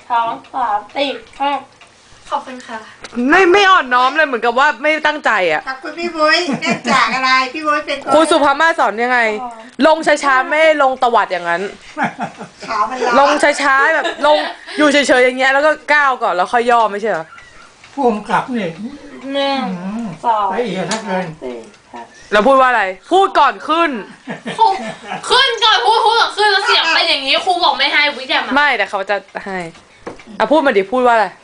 2 3 4 5 ขอบคุณค่ะไม่อ่อนน้อมเลยเหมือนกับว่าไม่ตั้งใจอ่ะขอบคุณพี่บุ้ยเนื่องจากอะไรพี่บุ้ยเป็นครูสุภามาสอนยังไง ลงช้าๆไม่ลงตวัดอย่างนั้นขามันลงช้าๆแบบลงอยู่เฉยๆอย่างเงี้ยแล้วก็ก้าวก่อนแล้วค่อยย่อไม่ใช่เหรอผู้กำกับนี่ 1 2 ละเอียดนักเกิน 4 5 แล้วพูดว่าอะไร พูดก่อนขึ้นครูขึ้นก่อนพูดก่อนขึ้นแล้วเสียงเป็นอย่างนี้ครูบอกไม่ให้วิทยามาไม่แต่เขาจะให้อ่ะพูดมาดิพูดว่าอะไร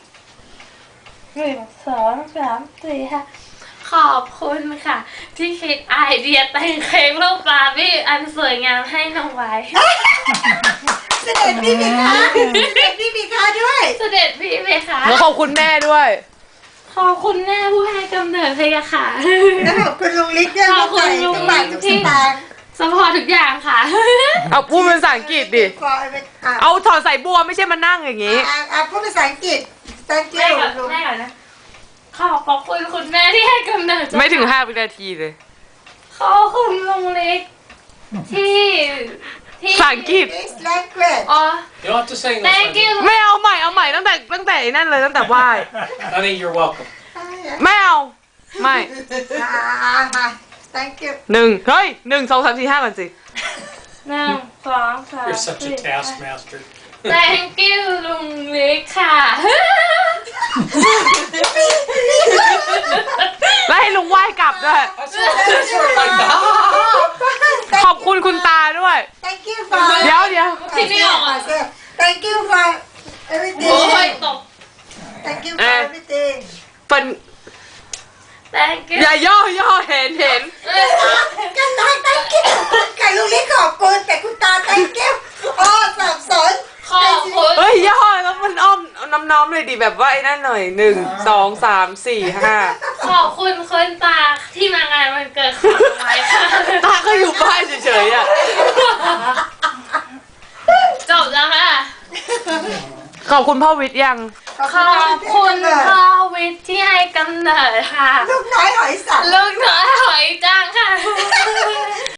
1 2 3 4 5 ขอบคุณค่ะ ที่คิดไอเดียแต่งเค้กรูปบาร์บี้อันสวยงามให้น้องไว้เสด็จพี่มีค่าเสด็จพี่มีค่าด้วยเสด็จพี่เพคะแล้วขอบคุณแม่ด้วยขอบคุณแม่ผู้ให้กำเนิดเพคะค่ะแล้วขอบคุณลุงลิศด้วยขอบคุณลุงทุกบาททุกสตางค์สปอร์ตทุกอย่างค่ะเอาพูดเป็นภาษาอังกฤษดิขอเอาเอาถอดใส่บัวไม่ใช่มานั่งอย่างงี้พูดภาษาอังกฤษ thank แม่ you ก่อนลุงแม่ก่อนนะ ขอบคุณคุณแม่ที่ให้กำเนิดไม่ถึง5 วินาทีเลยขอบคุณลุงเล็กที่ที่ภาษาอังกฤษ This language อ๋อ You don't have to sing this. thank you ไม่เอาใหม่ตั้งแต่ไอ้นั่นเลยตั้งแต่ไหว้ Honey, you're welcome. ไม่เอาไม่ thank you 1 เฮ้ย 1 2 3 4 5ก่อนสิ 1 2 3 You're such a 4 taskmaster. thank you ลุงเล็กค่ะแล้วให้ลุงไหว้กลับด้วย That's right, like that. ขอบคุณคุณตาด้วย thank you for เดี๋ยวที่ไม่ออกอ่ะ thank you for โอ้ย everything ตก thank you for everything เป็น thank you อย่าย่อเห็นกันตา thank you กับลุงลิศขอบคุณแต่คุณตา thank you อ๋อสับสนขอบคุณเฮ้ยย่อแล้วมันอ้อมน้อมเลยดิแบบว่าไอ้นั่นหน่อย 1 2 3 4 5 ขอบคุณคนตาที่มางานวันเกิดของน้องไว้ค่ะตาก็อยู่บ้านเฉยๆอ่ะจบแล้วค่ะขอบคุณพ่อวิทย์ยังขอบคุณพ่อวิทย์ที่ให้กำเนิดค่ะลูกน้อยหอยสังลูกน้อยหอย